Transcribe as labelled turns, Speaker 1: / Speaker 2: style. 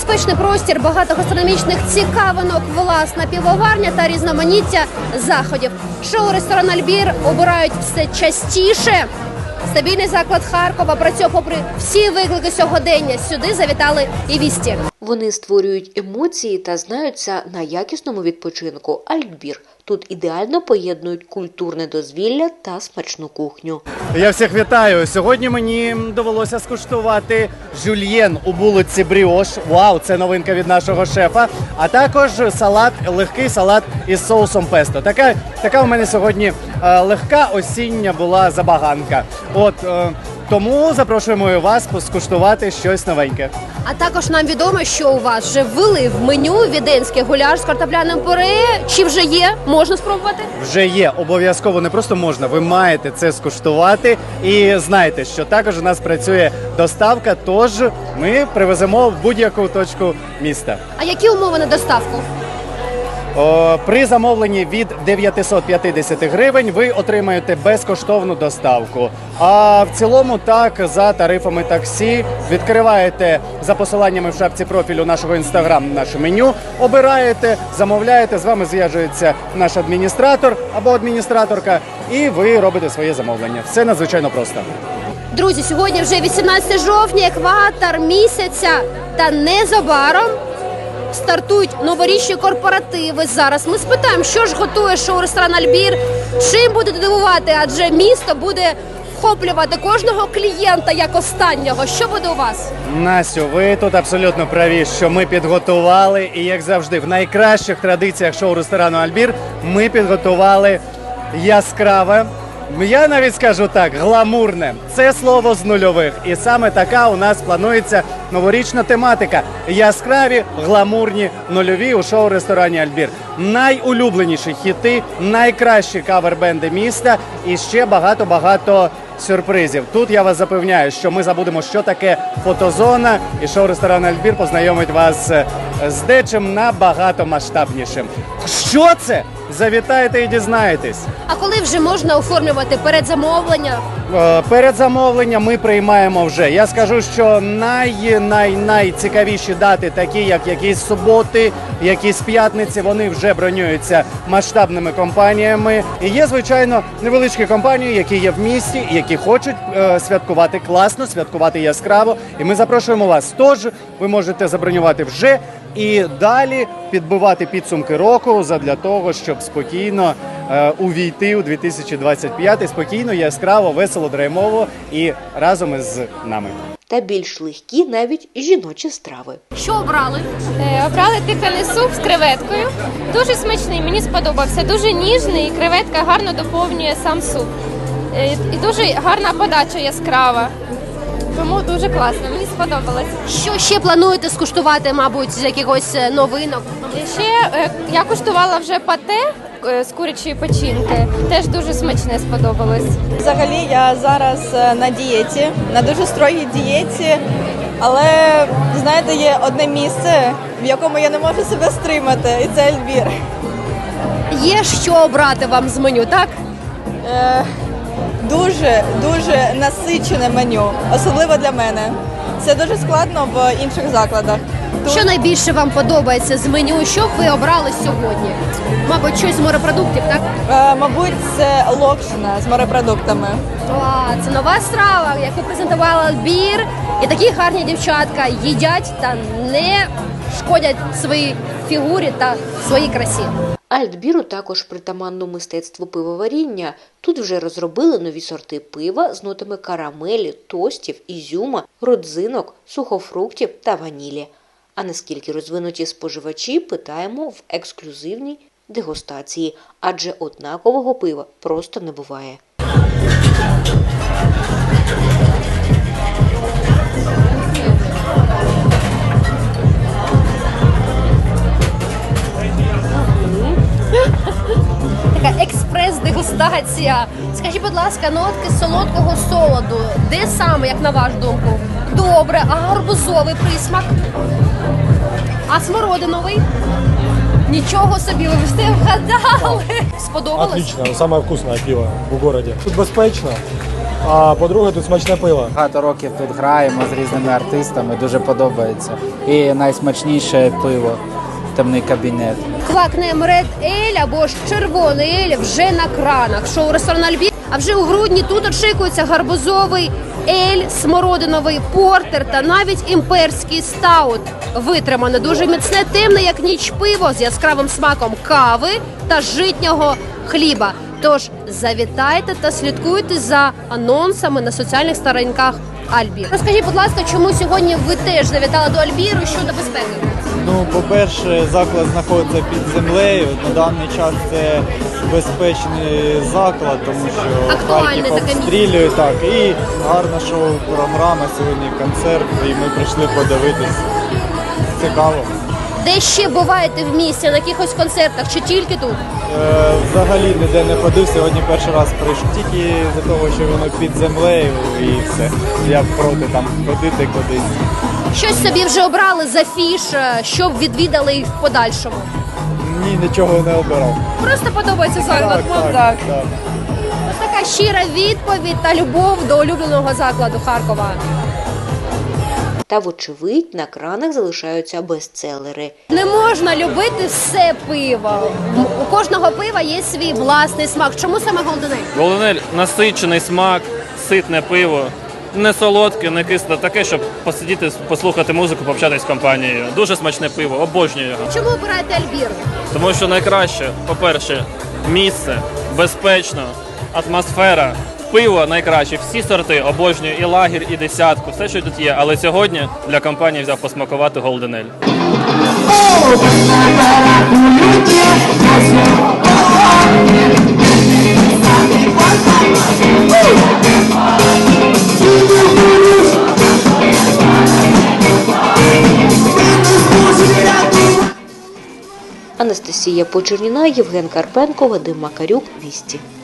Speaker 1: Безпечний простір, багато гастрономічних цікавинок, власна півоварня та різноманіття заходів. Шоу-ресторан «Альбір» обирають все частіше. Стабільний заклад Харкова працює попри всі виклики сьогодення. Сюди завітали і вісті.
Speaker 2: Вони створюють емоції та знаються на якісному відпочинку. «Альбір». Тут ідеально поєднують культурне дозвілля та смачну кухню.
Speaker 3: Я всіх вітаю. Сьогодні мені довелося скуштувати жюльєн у булочці бріош. Вау, це новинка від нашого шефа. А також салат, легкий салат із соусом песто. Така у мене сьогодні легка осіння була забаганка. Тому запрошуємо вас скуштувати щось новеньке.
Speaker 1: А також нам відомо, що у вас вже ввели в меню віденський гуляш з картопляним пюре. Чи вже є? Можна спробувати?
Speaker 3: Вже є. Обов'язково, не просто можна. Ви маєте це скуштувати. І знайте, що також у нас працює доставка, тож ми привеземо в будь-яку точку міста.
Speaker 1: А які умови на доставку?
Speaker 3: При замовленні від 950 гривень ви отримаєте безкоштовну доставку. А в цілому так, за тарифами таксі, відкриваєте за посиланнями в шапці профілю нашого інстаграм наше меню, обираєте, замовляєте, з вами зв'яжується наш адміністратор або адміністраторка, і ви робите своє замовлення. Все надзвичайно просто.
Speaker 1: Друзі, сьогодні вже 18 жовтня, екватор місяця, та незабаром стартують новорічні корпоративи. Зараз ми спитаємо, що ж готує шоу-ресторан «Альбір», чим буде дивувати, адже місто буде вхоплювати кожного клієнта як останнього. Що буде у вас?
Speaker 3: Настю, ви тут абсолютно праві, що ми підготували, і як завжди, в найкращих традиціях шоу-ресторану «Альбір» ми підготували яскраве, я навіть скажу так, гламурне. Це слово з нульових. І саме така у нас планується новорічна тематика. Яскраві, гламурні, нульові у шоу-ресторані «Альбір». Найулюбленіші хіти, найкращі кавер-бенди міста і ще багато-багато сюрпризів. Тут я вас запевняю, що ми забудемо, що таке фотозона, і шоу-ресторан «Альбір» познайомить вас з дечим набагато масштабнішим. Що це? Завітайте і дізнаєтесь.
Speaker 1: А коли вже можна оформлювати передзамовлення?
Speaker 3: Передзамовлення ми приймаємо вже. Я скажу, що найцікавіші дати, такі як якісь суботи, якісь п'ятниці, вони вже бронюються масштабними компаніями. І є, звичайно, невеличкі компанії, які є в місті, які хочуть святкувати класно, святкувати яскраво. І ми запрошуємо вас. Тож ви можете забронювати вже і далі підбивати підсумки року задля того, щоб спокійно увійти у 2025 спокійно, яскраво, весело, драймово і разом із нами.
Speaker 2: Та більш легкі навіть жіночі страви.
Speaker 1: Що обрали?
Speaker 4: Обрали тиканий суп з креветкою. Дуже смачний, мені сподобався. Дуже ніжний, і креветка гарно доповнює сам суп. І дуже гарна подача яскрава. Тому дуже класно, мені сподобалось.
Speaker 1: Що ще плануєте скуштувати, мабуть, з якихось новинок?
Speaker 4: І ще я куштувала вже пате з курячої печінки. Теж дуже смачне сподобалось.
Speaker 5: Взагалі я зараз на дієті, на дуже строгій дієті, але, знаєте, є одне місце, в якому я не можу себе стримати, і це «Альбір».
Speaker 1: Є що обрати вам з меню, так?
Speaker 5: Дуже насичене меню, особливо для мене. Це дуже складно в інших закладах.
Speaker 1: Що найбільше вам подобається з меню? Що б ви обрали сьогодні? Мабуть, щось з морепродуктів, так?
Speaker 5: Мабуть, це локшина з морепродуктами.
Speaker 1: Це нова страва, яку презентувала «Альбір». І такі гарні дівчатка їдять та не шкодять своїй фігурі та своїй красі.
Speaker 2: «Альбіру» також притаманно мистецтво пивоваріння. Тут вже розробили нові сорти пива з нотами карамелі, тостів, ізюма, родзинок, сухофруктів та ванілі. А наскільки розвинуті споживачі, питаємо в ексклюзивній дегустації, адже однакового пива просто не буває.
Speaker 1: Така експрес-дегустація. Скажіть, будь ласка, нотки солодкого солоду. Де саме, як на вашу думку? Добре, а гарбузовий присмак? А смородиновий? Нічого собі, ви все вгадали. Сподобалось?
Speaker 6: Отлично, самое вкусное пиво в городе. Тут безпечно, а по-друге, тут смачне пиво.
Speaker 7: Багато років тут граємо з різними артистами, дуже подобається. І найсмачніше пиво «Темний кабінет».
Speaker 1: Квакнем Ред Ель або ж червоний ель вже на кранах. Шоу «Ресторан Альбір». А вже у грудні тут очікується гарбузовий ель, смородиновий портер та навіть імперський стаут. Витримане дуже міцне, темне, як ніч пиво з яскравим смаком кави та житнього хліба. Тож завітайте та слідкуйте за анонсами на соціальних сторінках Альбір. Розкажіть, будь ласка, чому сьогодні ви теж завітали до Альбіру щодо безпеки?
Speaker 8: Ну, по-перше, заклад знаходиться під землею. На даний час це безпечний заклад, тому що
Speaker 1: Актуальне
Speaker 8: Харків
Speaker 1: таке
Speaker 8: обстрілюють. Так, і гарна шоу-програма, сьогодні концерт, і ми прийшли подивитись. Цікаво.
Speaker 1: Де ще буваєте в місті, на якихось концертах чи тільки тут?
Speaker 8: Взагалі ніде не ходив, сьогодні перший раз прийшов. Тільки за того, що воно під землею і все. Я проти там ходити кудись.
Speaker 1: Щось собі вже обрали за фіш, щоб відвідали їх в подальшому.
Speaker 8: Ні, нічого не обирав.
Speaker 1: Просто подобається заклад.
Speaker 8: Так.
Speaker 1: Ось така щира відповідь та любов до улюбленого закладу Харкова.
Speaker 2: Та, вочевидь, на кранах залишаються бестселери.
Speaker 1: Не можна любити все пиво. У кожного пива є свій власний смак. Чому саме Голден Ель?
Speaker 9: Голден Ель – насичений смак, ситне пиво, не солодке, не кисле, таке, щоб посидіти, послухати музику, пообщатися з компанією. Дуже смачне пиво, обожнюю його.
Speaker 1: Чому обираєте Альбір?
Speaker 9: Тому що найкраще, по-перше, місце, безпечно, атмосфера, пиво найкраще, всі сорти обожнюю, і лагір, і десятку, все, що тут є. Але сьогодні для компанії взяв посмакувати Голден Ель.
Speaker 2: Анастасія Почерніна, Євген Карпенко, Вадим Макарюк, Вісті.